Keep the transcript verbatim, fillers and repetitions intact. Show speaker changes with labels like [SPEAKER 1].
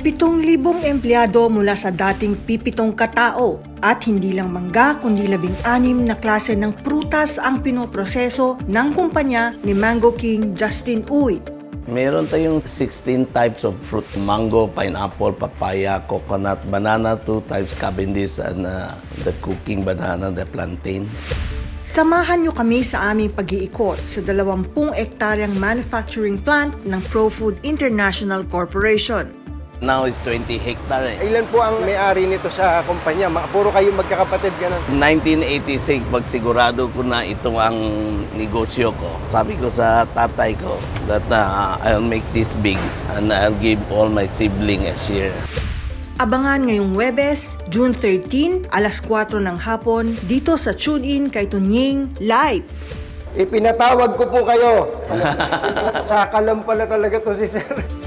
[SPEAKER 1] Pitong libong empleyado mula sa dating pipitong katao at hindi lang mangga kundi labing-anim na klase ng prutas ang pinoproseso ng kumpanya ni Mango King Justin Uy.
[SPEAKER 2] Meron tayong sixteen types of fruit: mango, pineapple, papaya, coconut, banana, two types, Cavendish, and uh, the cooking banana, the plantain.
[SPEAKER 1] Samahan niyo kami sa aming pag-iikot sa dalawampung ektaryang manufacturing plant ng ProFood International Corporation.
[SPEAKER 2] Now is twenty hectare. Eh.
[SPEAKER 3] Ilan po ang may-ari nito sa kumpanya? Ma- Puro kayo magkakapatid ganun.
[SPEAKER 2] nineteen eighty-six, pagsigurado ko na ito ang negosyo ko. Sabi ko sa tatay ko that uh, I'll make this big and I'll give all my siblings a share.
[SPEAKER 1] Abangan ngayong Huwebes, June thirteen, alas kwatro ng hapon, dito sa TuneIn kay Tunying Live.
[SPEAKER 3] Ipinatawag ko po kayo. Sa kalam pala talaga to si Sir.